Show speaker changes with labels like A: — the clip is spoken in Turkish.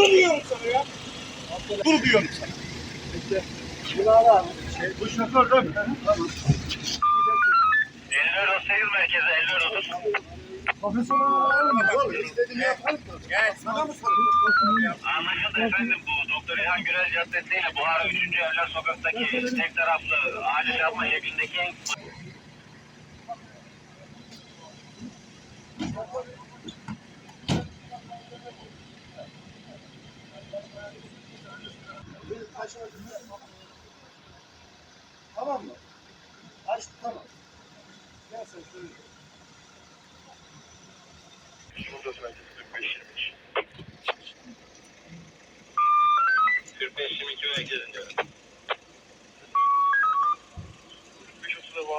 A: Dur diyorum sana ya. Dur diyorum sana.
B: İşte bunlar abi.
A: Bu şoför değil mi? Tamam.
C: 54 38 merkezi 54 30.
A: Profesyonel istediğimi yaparım da.
C: Evet.
A: Sana mı soruyorum?
C: Anlaşıldı efendim, bu Doktor İlhan Gürel Caddesi ile Buhara 3. Evler Sokak'taki tek taraflı acil yapma şeklindeki
A: Tamam mı? Açtı tamam. Gel sen şöyle.
C: Şurada sanki 45 22 merkezinde.